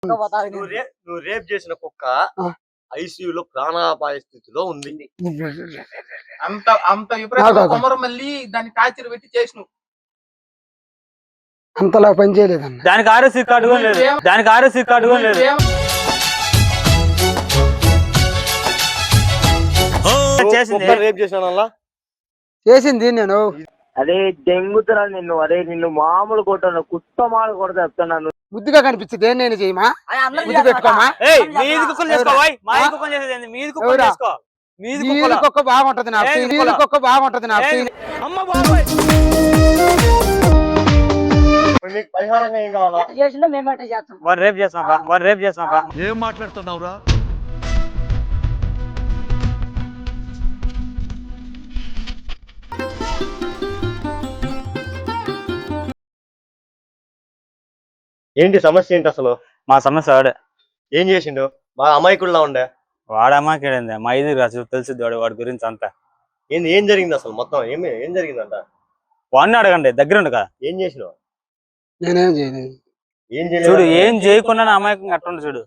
నువ్వు రేప్ చేసిన కుక్క ఐసీయూలో ప్రాణాపాయ స్థితిలో ఉంది. అంత అంత విపరీతంగా కొమరం మళ్ళీ దాన్ని టార్చర్ పెట్టి చేసినావు. అంతలా పని చేయలేదన్న. దానికి ఆర్ఎస్సీ కార్డు కూడా లేదు. దానికి ఆర్ఎస్సీ కార్డు కూడా లేదు. చేసింది నేను. అదే దెంగుతున్నా నిన్ను. అదే నిన్ను మామూలు కొట్టాను, కుత్తమాలు కొడతా చెప్తున్నాను. ముద్దుగా కనిపించింది ఏం నేను చేయమా? ముద్దు పెట్టుకోమా? మీది కుక్క బాగుంటది నాకు. మీది కుక్క బాగుంటది నాకు. పరిహారంగా ఏం కావాలా? రేపు చేస్తాం. ఏం మాట్లాడుతున్నావురా? ఏంటి సమస్య ఏంటి అసలు? మా సమస్య వాడే. ఏం చేసిండు? బాగా అమాయకుల్లా ఉండే. వాడు అమాయకుడేంది, మా ఇది తెలుసుద్ది వాడి గురించి అంతా. ఏం జరిగింది అసలు? మొత్తం ఏం జరిగిందంట? వాడిని అడగండి, దగ్గర ఉండు కదా. ఏం చేసినావు? నేనేం చేయలేదు. చూడు, ఏం చేయకుండా అమాయకంగా అట్టుండి చూడు.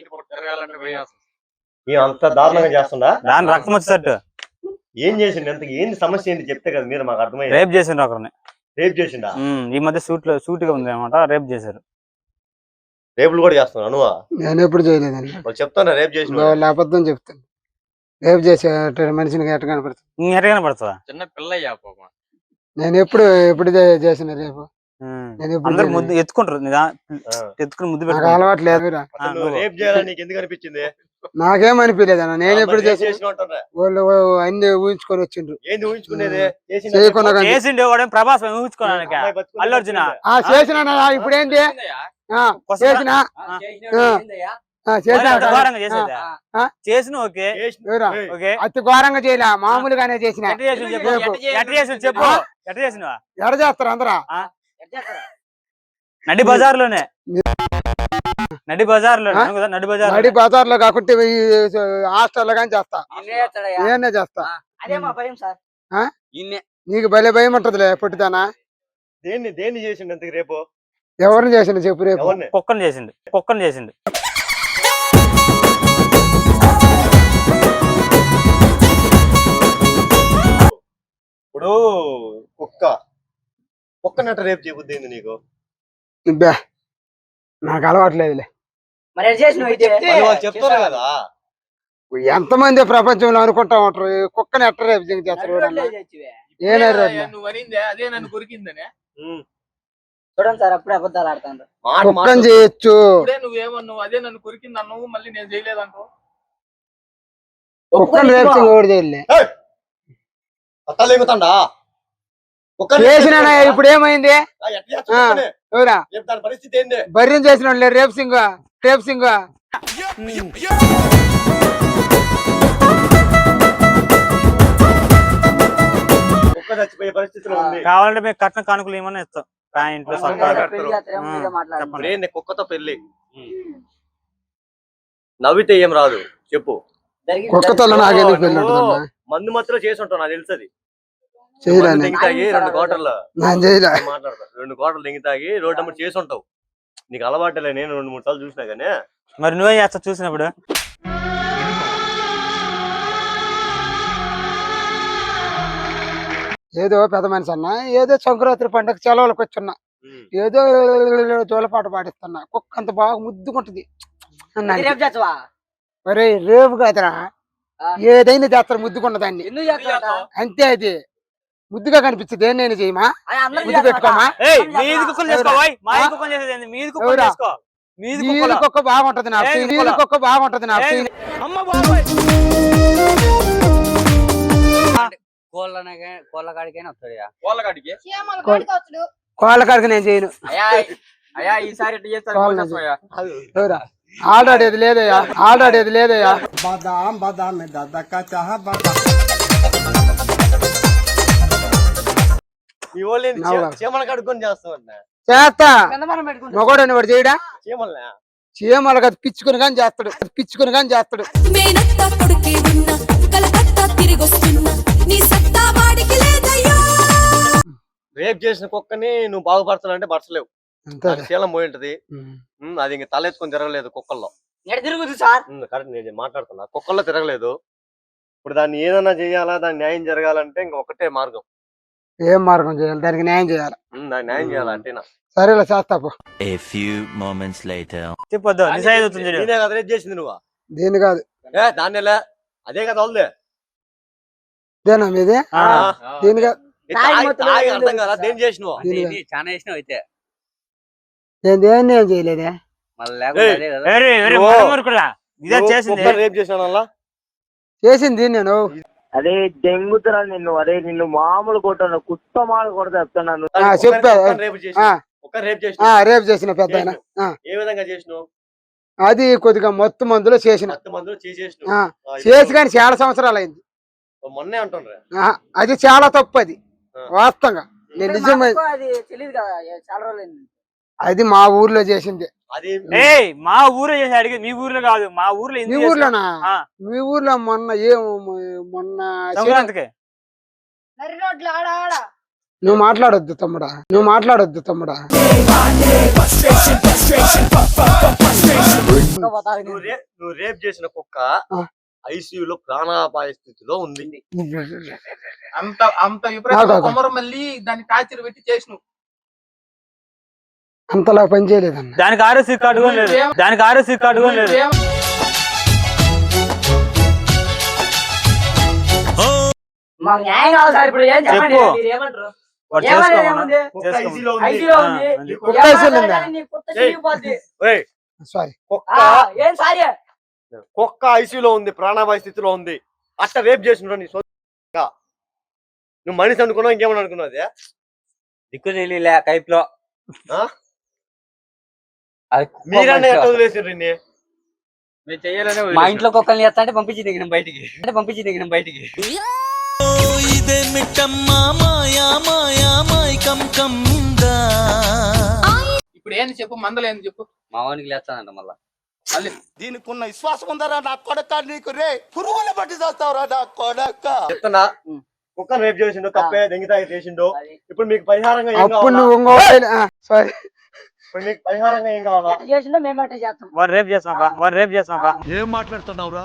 అంత దారుణంగా చేస్తుందా? దాని రక్తం వచ్చేటట్టు. ఏం చేసిండు? ఎంత ఏంది సమస్య ఏంటి చెప్తే కదా మీరు మాకు అర్థమైంది. రేప్ చేసిండు ఒకరిని. రేప్ చేసిండా? ఈ మధ్య సూటిగా ఉంది అనమాట. రేప్ చేశారు. రేపులు కూడా చేస్తున్నా నువ్వా? నేను ఎప్పుడు చేయలేదండి. చెప్తాను రేపు చేసిన వాళ్ళు అబద్ధం చెప్తాను. రేపు చేసే మనిషిని ఎట్ట కనపడుతుంది? ఎట్ట కనపడుతుందా? చిన్న పిల్లయ్యా. నేను ఎప్పుడు చేసిన రేపు అందరు ముద్దు ఎత్తుకుంటారు. ఎత్తుకుని ముద్దు పెట్టు. అలవాటు లేదు. రేపు చేయాలని నీకు ఎందుకు అనిపించింది? నాకేం అనిపించలేదు అన్న. నేను ఎప్పుడు చేసిన వాళ్ళు అన్ని ఊహించుకొని వచ్చిండ్రు. ఏంది ఊహించుకునేది? చేసిండే వాడు ప్రభాస్ ఊహించుకోవడానికి. అల్లు అర్జున చేసిన ఇప్పుడు ఏంటి చేసిన ఓకే, అతి ఘోరంగా చేయలే, మామూలుగానే చేసిన. చెప్పు ఎట్ట చేసినవా? ఎడ చేస్తారు అందరా? నడి బజార్లోనే. నడి బజార్లో కాకుంటే హాస్టల్లో కానీ చేస్తా. నేనే చేస్తా. నీకు భలే భయం ఉంటదిలే పొట్టిదానా. దేన్ని చేసిండు అంతకు? రేపు ఎవరిని చేసిండు చెప్పు? రేపు కుక్కను చేసిండు. ఇప్పుడు కుక్కనట్ట రేపు చేయబుద్ది ఏంది నీకు? నాకు అలవాట్లేదులే. చెప్తారు కదా, ఎంతమంది ప్రపంచంలో అనుకుంటా ఉంటారు కుక్కని ఎట్ట రేపు చేస్తారు. కుక్కని చేయొచ్చు. నువ్వేమన్నావు? అదే నన్ను కొరికింది అన్నావు, మళ్ళీ నేను చేయలేదంటావు. కుక్కని రేపు చేయలే. చేసిన ఇప్పుడు ఏమైంది? పరిస్థితి ఏంది? బర్రెం చేసిన రేపు సింగ్ చచ్చిపోయే పరిస్థితిలో ఉంది. కావాలంటే మేము కట్న కానుకలు ఏమన్నా ఇస్తాం. ప్యాంట్లు, కుక్కతో పెళ్లి. నవ్వితే ఏం రాదు చెప్పు. కుక్కతో మందు మధ్యలో చేసి ఉంటావు నాకు తెలుసది. 2 కోటలు దింగితాగి రోడ్డు నెంబర్ చేసి ఉంటావు. నీకు అలవాటులే. నేను 2-3 సార్లు చూసినా గానీ. మరి నువ్వే చేస్తా చూసినప్పుడు? ఏదో పెద్ద మనిషి అన్న, ఏదో సంక్రాంతి పండుగ సెలవులకు వచ్చున్నా, ఏదో జోలపాట పాటిస్తున్నా. కుక్క అంత బాగా ముద్దుకుంటది. మరి రేపు కాదురా, ఏదైనా చేస్తారు ముద్దుకున్నదాన్ని. అంతే, అది ముద్దుగా కనిపించింది ఏం నేను చేయమా? ముద్దు పెట్టుకోమా? మీది కుక్క బాగుంటది నాకు. మీది కుక్క బాగుంటది నాకు. కోళ్ళ కాడికి నేను చేయను. ఆడాడేది లేదయ్యా. చేస్తా. మగోడని వాడు చేయడా? చీమలు కదా పిచ్చుకుని కానీ చేస్తాడు. రేప్ చేసిన కుక్కని నువ్వు బాగుపరచాలంటే పరచలేవు. అంతే శీలం పోయి ఉంటది. అది ఇంక తలెత్తుకొని తిరగలేదు కుక్కల్లో. తిరుగుతుంది సార్. కరెక్ట్, నేను మాట్లాడుతున్నా. కుక్కల్లో తిరగలేదు. ఇప్పుడు దాన్ని ఏదైనా చేయాలా, దాని న్యాయం జరగాలంటే ఇంక ఒకటే మార్గం. ఏం మార్గం చేయాలి? దానికి న్యాయం చేయాలి. దాన్ని న్యాయం చేయాలంటేనా? సరేలే చేస్తాపు. చెప్పొద్దు నిజాయితీ అవుతుంది చూడు. నేనే కదా రేపు చేసింది నువ్వు. దీన్ని కాదు దాన్ని అదే కదా వాళ్ళదే. ఇదేనా మీది? దీని కాదు. అర్థం కదా దేని చేసినావు? చాలా చేసినావు అయితే. నేను దేన్ని ఏం చేయలేదే. ఇదే చేసింది. రేపు చేసిన చేసింది నేను. అరే దెంగుతున్నా నిన్ను, అరే నిన్ను మామూలు కొట్టాను, కుత్తమాలు కొడతా చెప్తున్నాను. చెప్పా రేపు చేసిన. రేపు చేసిన పెద్ద ఆయన. ఏ విధంగా చేసినావు? అది కొద్దిగా మొత్తం మందులో చేసిన. చేసి కానీ చాలా సంవత్సరాలు అయింది. మొన్నే అంటుండ్రా. అది చాలా తప్పు. అది వాస్తవంగా నేను నిజమే. అది మా ఊర్లో చేసింది. మా ఊర్లో చేసి అడిగి మీ ఊర్లో కాదు, మా ఊర్లో. మీ ఊర్లోనా? మీ ఊర్లో మొన్న సంక్రాంతికి నువ్వు మాట్లాడొద్దు తమ్ముడా, నువ్వు మాట్లాడొద్దు తమ్ముడా. నువ్వు రేప్ చేసిన కుక్క ఐసీయూలో ప్రాణాపాయ స్థితిలో ఉంది. అంత విపరీతంగా కొమరం మళ్ళీ దాన్ని టార్చర్ పెట్టి చేసినావు. అంతలా పని చేయలేదన్న. దానికి ఆర్ఎస్ కార్డు కూడా లేదు. దానికి ఆర్ఎస్ కార్డు కూడా లేదు. కుక్క ఐసీయూలో ఉంది, ప్రాణాపాయ స్థితిలో ఉంది. అట్ట రేప్ చేసిన నువ్వు మనిషి అనుకున్నావు, ఇంకేమని అనుకున్నావు? దిక్కు తెలియలే కైప్ లో. మీరన్నా ఎట్లా వదిలేసారు? మా ఇంట్లో కుక్కల్ని చేస్తా అంటే పంపించి దిగిన బయటికి. ఇప్పుడు ఏంది చెప్పు, మందలు ఏంది చెప్పు. మా వానికి లేస్తానంట మళ్ళా. దీనికి ఉన్న విశ్వాసం ఉందరా నా కొడక, నీకు రే పురుగులు పట్టి చేస్తావురా నా కొడక. చెప్తున్నా, కుక్క రేప్ చేసిండు, కప్పే దెంగితాయి చేసిండు. ఇప్పుడు మీకు పరిహారంగా ఏం అప్పుడు కావాలా? సారీ, ఇప్పుడు మీకు పరిహారంగా ఏం కావాలా? రేపు చేస్తాం. ఏం మాట్లాడుతున్నావురా?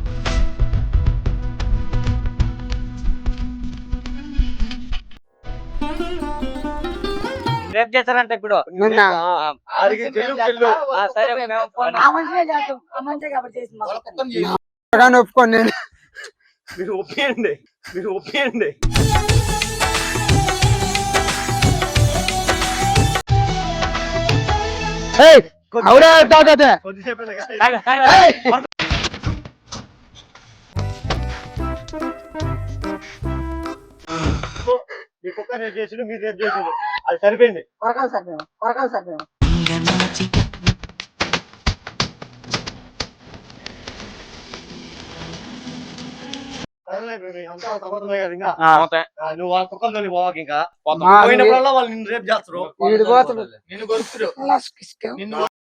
రేపు చేస్తారంట ఇప్పుడు. అడిగి చెల్లు. సరే ఒప్పుకోండి. నేను మీరు ఒప్పియండి. అవునా తాగదే. కొద్దిసేపు మీ కుక్క రేప్ చేసిండు, మీరు రేప్ చేసిండు, అది సరిపోయింది. నువ్వు ఆ కుక్కలతో పోవాక ఇంకా పోయినప్పుడల్లా వాళ్ళు నిన్ను రేప్ చేస్తారు. నిన్ను కొరుకుతారు.